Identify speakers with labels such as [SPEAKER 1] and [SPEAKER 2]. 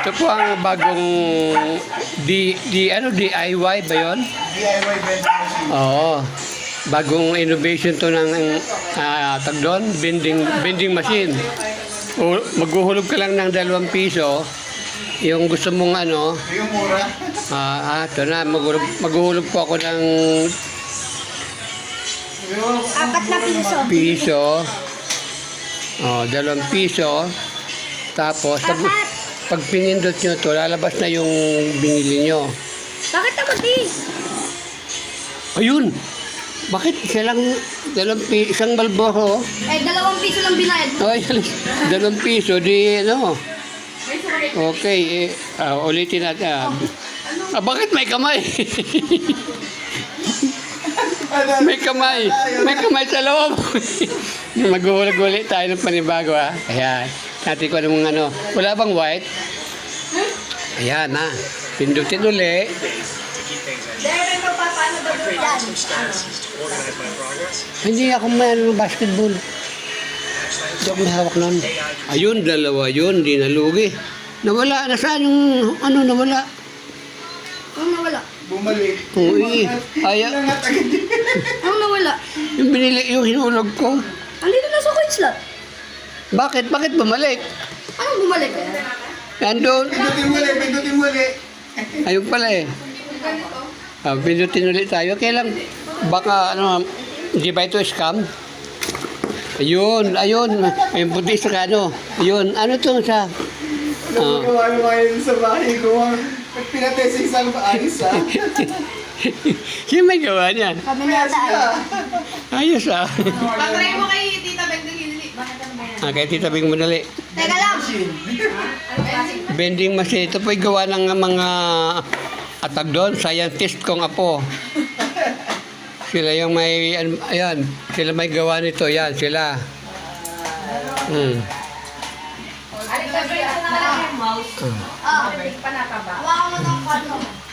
[SPEAKER 1] Ito po ang bagong DIY ba yun?
[SPEAKER 2] DIY vending machine.
[SPEAKER 1] Oo. Bagong innovation to ng tag doon, vending machine. O, maghuhulog ka lang ng 2 piso. Yung gusto mong ano,
[SPEAKER 2] Yung mura.
[SPEAKER 1] ito na, maghuhulog po ako ng
[SPEAKER 2] Yung
[SPEAKER 3] 4 na piso.
[SPEAKER 1] piso. O, 2 piso. Tapos, pag pinindot nyo to, lalabas na yung binili nyo.
[SPEAKER 3] Bakit ako di?
[SPEAKER 1] Ayun! Bakit isa lang, isang Malboro?
[SPEAKER 3] Eh, 2 piso lang binayad mo.
[SPEAKER 1] Ay, 2 piso, di ano. Okay, ulitin natin. Bakit may kamay? May kamay. May kamay sa loob. Maghuhulog-ulit tayo ng panibago, ha. Ayan. Natin ko anong ano. Wala bang white? Ayan, ha. Pindutin uli.
[SPEAKER 3] Dahil mo pa, paano daw yan?
[SPEAKER 1] Hindi ako may ano, basketball. Hindi ako may hawak nun. Ayun, 2 yun. Di nalugi. Nawala. Nasaan yung ano nawala?
[SPEAKER 3] Anong nawala?
[SPEAKER 2] bumalik.
[SPEAKER 1] Uy, ayaw.
[SPEAKER 2] Nangat agad.
[SPEAKER 3] Anong nawala?
[SPEAKER 1] Yung binili, yung hinulog ko.
[SPEAKER 3] Andito na sa coin slot.
[SPEAKER 1] Bakit? Bakit bumalik?
[SPEAKER 3] Anong bumalik?
[SPEAKER 1] Nandun.
[SPEAKER 2] Pindutin muli, pindutin muli.
[SPEAKER 1] Ayun pala eh. Pindutin ulit tayo. Kailan? Baka ano, di ba ito scam? Ayun, ayun. Ayun puti sa ano. Ayun, ano to sa...
[SPEAKER 2] Gawa kayo sa bahay ko. Pinatest isang ayos ah.
[SPEAKER 1] Sino may gawa niyan?
[SPEAKER 3] Kami na tayo.
[SPEAKER 1] Ayos ah.
[SPEAKER 4] Patry mo kay Tita Beng ng Hinili. Bakit ano ba yan?
[SPEAKER 1] Kaya Tita Bing madali.
[SPEAKER 3] Teka lang.
[SPEAKER 4] Ano klase?
[SPEAKER 1] Vending machine. Ito po'y gawa ng mga atag doon. Scientist kong apo. Sila yung may, ayan, sila may gawa nito. Yan, sila.
[SPEAKER 4] Aling ka na lang yung mouse.
[SPEAKER 3] Ah,
[SPEAKER 4] Panataba.
[SPEAKER 3] hawakan mo ng kano.